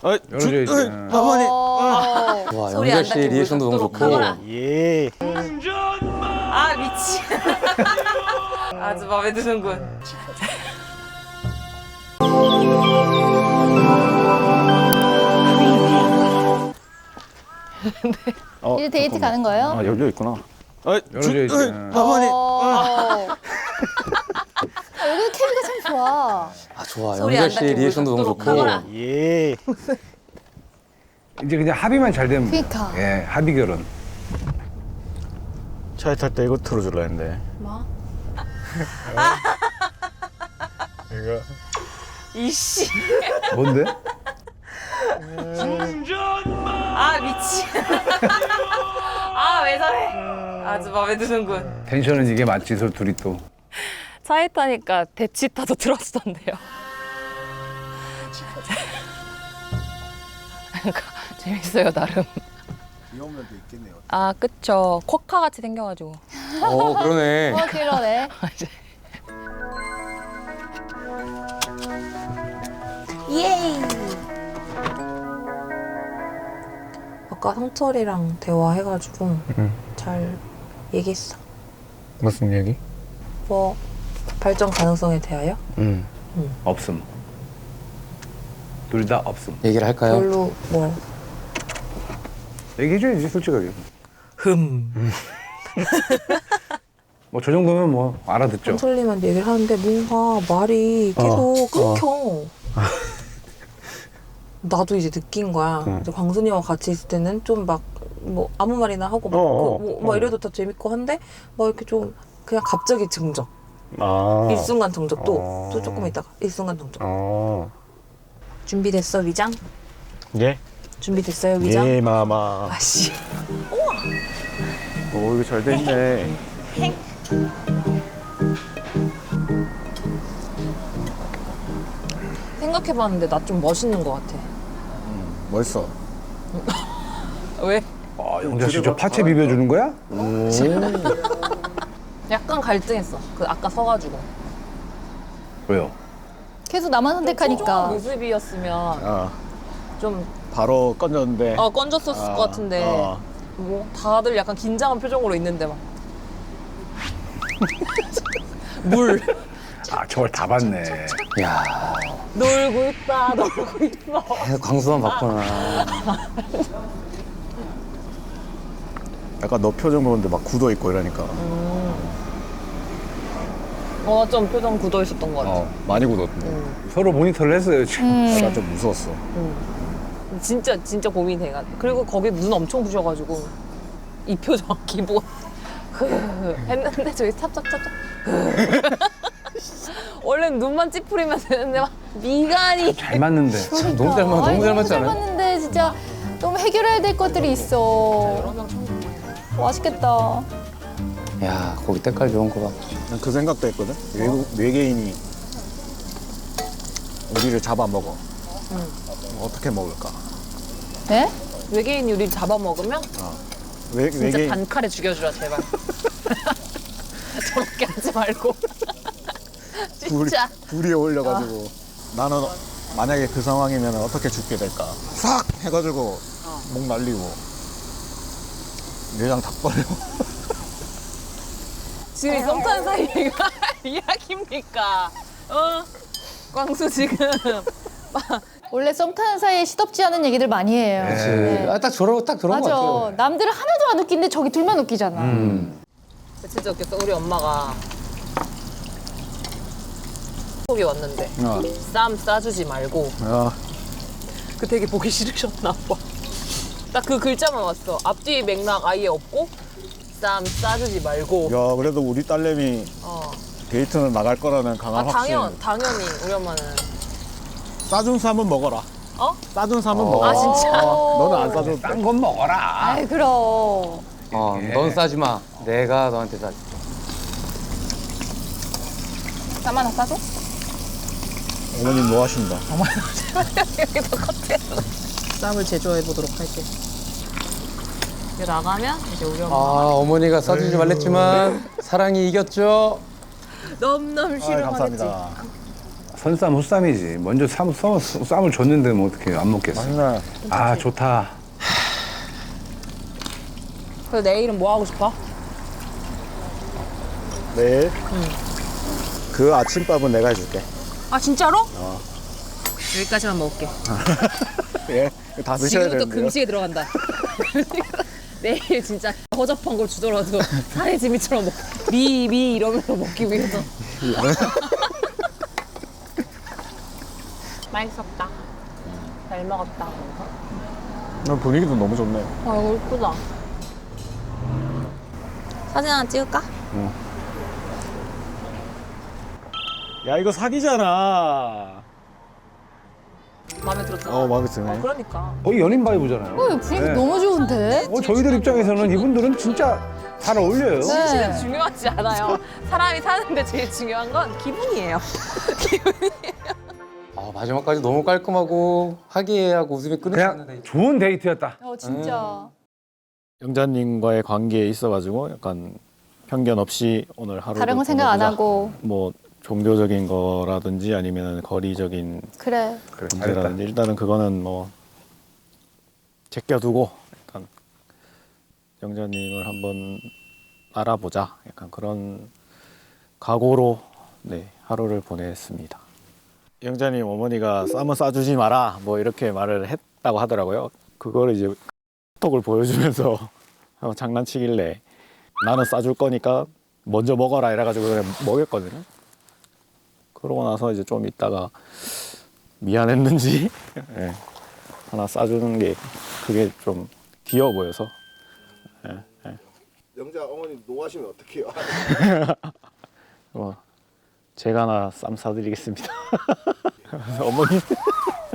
열어줘야지. 어머니. 와, 영자 씨 리액션도 너무 좋고. 예. 아 미치. 아주 마음에 드는군. 이제 데이트 가는 거예요? 아 열려 있구나. 열어줘야지. 어머니. 여기 케미가 참 좋아. 아, 좋아. 소리 영자 안 씨 닿게 리액션도 너무 좋고. 하거라. 예. 이제 그냥 합의만 잘 되면. 그러니까. 예, 합의 결혼. 차에 탈 때 이거 틀어줄라 했는데. 뭐? 이거. 이씨. 뭔데? 아 미치. 아 왜 저래? 아주 마음에 드는군. 텐션은 이게 맞지, 저 둘이 또. 차에 타니까 대치타도 들어주던데요. 그러니까 재밌어요 나름. 귀여운 면도 있겠네요. 아 그쵸. 쿼카 같이 생겨가지고. 그러네. 그러네. 예이. 아까 성철이랑 대화해가지고 잘 얘기했어. 무슨 얘기? 뭐 발전 가능성에 대하여? 없음. 둘 다 없음. 얘기를 할까요? 별로 뭐. 얘기해줘야지, 솔직하게. 뭐 저 정도면 뭐 알아듣죠. 성철님한테 얘기를 하는데 뭔가 말이 계속 끊겨. 나도 이제 느낀 거야. 이제 광순이와 같이 있을 때는 좀 막 뭐 아무 말이나 하고 막 이래도 더 재밌고 한데 막 이렇게 좀 그냥 갑자기 정적. 아. 일순간 정적 또 조금 있다가 일순간 정적. 준비됐어 위장? 예. 준비됐어요 위장? 예 마마. 아씨. 오 이거 잘 돼 있네. 생각해봤는데 나 좀 멋있는 것 같아. 멋있어. 왜? 아, 영자 씨 저 파채 비벼주는 거야? 약간 갈등했어. 그 아까 서가지고. 왜요? 계속 나만 선택하니까. 모습이었으면 아 좀 바로 건졌는데. 건졌었을 것 같은데 뭐 다들 약간 긴장한 표정으로 있는데 막 물 아, 저걸 다 봤네. 야, 놀고 있다 놀고 있어. 계속 광수만 봤구나. 약간 너 표정 보는데 막 굳어 있고 이러니까. 좀 표정 굳어 있었던 것 같아. 많이 굳었는데. 서로 모니터를 했어요, 지금. 내가 좀 무서웠어. 진짜 고민해가. 그리고 거기 눈 엄청 부셔가지고 이 표정 기본 했는데 저기 찹찹찹찹. 원래는 눈만 찌푸리면 되는데 막 미간이. 잘 맞는데. 너무 잘 맞, 너무 잘 맞지 잘 않아요? 맞는데 진짜 너무 해결해야 될 것들이 있어. 맛있겠다. 야, 거기 때깔 좋은 거 봐. 난 그 생각도 했거든. 외계인이 우리를 잡아먹어. 어떻게 먹을까? 네? 외계인 우리 잡아먹으면 진짜 외계인 단칼에 죽여주라 제발. 저렇게 하지 말고. 진짜. 불이 올려가지고 나는 만약에 그 상황이면 어떻게 죽게 될까? 싹 해가지고 목 날리고 내장 다 버려. 지금 썸 타는 사이가 이야기입니까? 광수 지금 원래 썸 타는 사이에 시덥지 않은 얘기들 많이 해요. 네. 딱 저러고 딱 그런 거 맞아. 같아요. 남들은 하나도 안 웃긴데 저기 둘만 웃기잖아. 진짜 웃겼어. 우리 엄마가 속이 왔는데 쌈 싸주지 말고 그 되게 보기 싫으셨나 봐. 딱 그 글자만 왔어. 앞뒤 맥락 아예 없고 쌈 싸주지 말고. 야 그래도 우리 딸내미 데이트는 나갈 거라는 강한 확신. 당연히 우리 엄마는. 싸준 쌈은 먹어라. 싸준 쌈은 먹어라. 아 진짜? 너는 안 싸줘도 돼. 딴 건 먹어라. 아이 그럼. 넌 싸지 마. 내가 너한테 싸지. 쌈 하나 싸줘? 어머님 뭐 하신다. 여기서 커트했어. 쌈을 제조해 보도록 할게. 이제 나가면 이제 우리 엄마 어머니가 싸주지 말랬지만 사랑이 이겼죠. 넘넘 싫어하겠지. 감사합니다. 선쌈 후쌈이지. 먼저 쌈을 줬는데 뭐 어떻게 안 먹겠어. 맛있네. 아 좋다. 그래서 내일은 뭐 하고 싶어? 내일 그 아침밥은 내가 해줄게. 아 진짜로? 여기까지만 먹을게. 예, 다 드셔야 지금부터 되는데요. 금식에 들어간다. 내일 진짜 허접한 걸 주더라도 사내 지미처럼 미 이러면서 먹기 위해서. 맛있었다. 잘 먹었다. 분위기도 너무 좋네. 아, 이거 예쁘다. 사진 하나 찍을까? 야, 이거 사기잖아. 마음에 들었잖아. 마음에 드네. 그러니까. 거의 연인 바이브잖아요. 분위기 네. 너무 좋은데? 저희들 입장에서는 이분들은 진짜 잘 어울려요. 네. 중요하지 않아요. 사람이 사는데 제일 중요한 건 기분이에요. 아, 마지막까지 너무 깔끔하고 화기애애하고 웃음이 끊이지 않는 그냥 데이트. 좋은 데이트였다. 진짜. 영자님과의 관계에 있어가지고 약간 편견 없이 오늘 하루 다른 거 생각 안 하고. 뭐 종교적인 거라든지 아니면 거리적인 그래. 그래 잘했다. 문제라든지 일단은 그거는 뭐 제껴두고 약간 영자님을 한번 알아보자 약간 그런 각오로 네 하루를 보냈습니다. 영자님 어머니가 쌈은 싸주지 마라 뭐 이렇게 말을 했다고 하더라고요. 그거를 이제 톡을 보여주면서 한번 장난치길래 나는 싸줄 거니까 먼저 먹어라 이래가지고 그냥 먹였거든요. 그러고 나서 이제 좀 있다가 미안했는지 예, 하나 싸주는 게 그게 좀 귀여워 보여서 영자 어머님 노하시면 어떡해요? 제가 하나 쌈 사드리겠습니다. 어머니